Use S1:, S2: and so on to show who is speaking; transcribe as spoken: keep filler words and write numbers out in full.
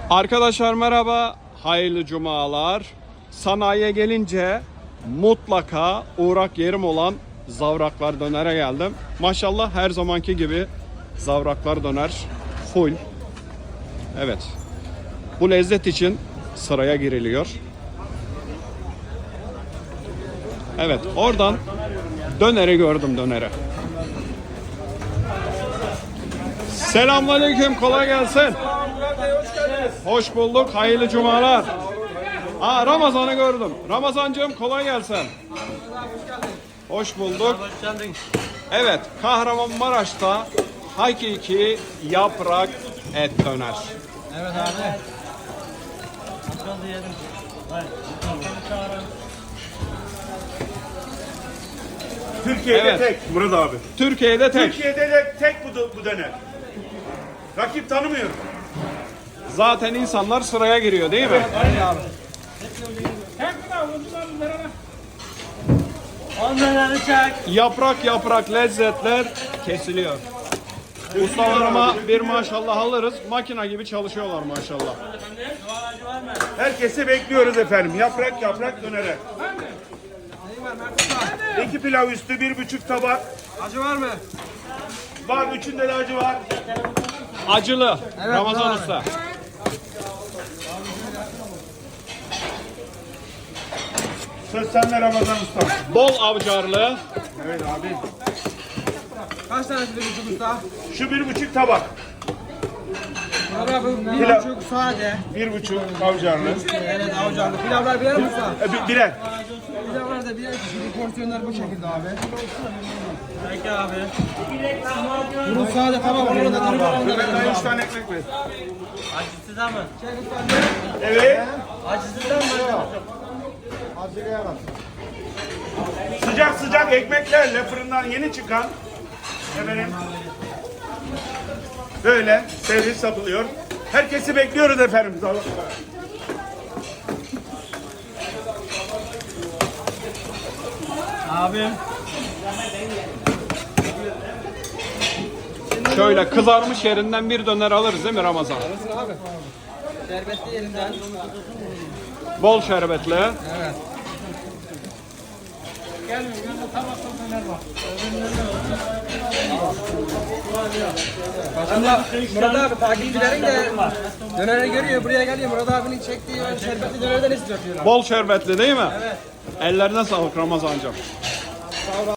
S1: Arkadaşlar merhaba, hayırlı cumalar. Sanayiye gelince mutlaka uğrak yerim olan Zavraklar Döner'e geldim. Maşallah her zamanki gibi Zavraklar Döner full. Evet, bu lezzet için sıraya giriliyor. Evet, oradan döneri gördüm, döneri. Selamünaleyküm, kolay gelsin. Hoş bulduk, hayırlı cumalar. Aa, Ramazan'ı gördüm. Ramazancığım kolay gelsin. Hoş bulduk. Evet, Kahramanmaraş'ta hakiki yaprak et döner.
S2: Evet abi.
S3: Türkiye'de
S1: Evet.
S3: tek Murat abi.
S1: Türkiye'de tek.
S3: Türkiye'de de tek bu, bu döner. Rakip tanımıyorum.
S1: Zaten insanlar sıraya giriyor değil mi?
S2: Aynen abi. Onları çek.
S1: Yaprak yaprak lezzetler kesiliyor. Ustalarıma bir maşallah alırız. Makina gibi çalışıyorlar maşallah.
S3: Herkesi bekliyoruz efendim. Yaprak yaprak dönere. İki pilav üstü, bir buçuk tabak.
S2: Acı var mı?
S3: Var, üçünde de acı var.
S1: Acılı. Ramazan
S2: abi.
S1: Usta.
S3: Söz sende Ramazan Usta.
S1: Bol avcarlı.
S3: Evet abi.
S2: Kaç tanesi bir buçuk usta?
S3: Şu bir buçuk tabak.
S2: Abi bir
S3: Pilav.
S2: buçuk sade.
S3: Bir buçuk avcarlı.
S2: Evet avcarlı. Pilavlar birer mi usta?
S3: E, bi- birer.
S2: Pilavlar da birer kişilik porsiyonlar bu şekilde abi. Peki abi. Bunun sade tamam. Bunu da tamam.
S3: Evet, daha üç tane ekmek ver.
S4: Acısı da mı?
S3: Evet.
S4: Acısı da mı?
S3: Sıcak sıcak ekmeklerle fırından yeni çıkan efendim böyle servis yapılıyor. Herkesi bekliyoruz efendim.
S4: Abim.
S1: Şöyle kızarmış yerinden bir döner alırız değil mi Ramazan?
S2: Abi. Şerbetli yerinden.
S1: Bol şerbetli.
S2: Evet. Aslında Murat abi takipçilerin de döneri görüyor, buraya geliyor. Murat abinin çektiği o şerbetli dönerden istiyor diyorlar.
S1: Bol şerbetli değil mi? Evet. Ellerine sağlık Ramazancığım.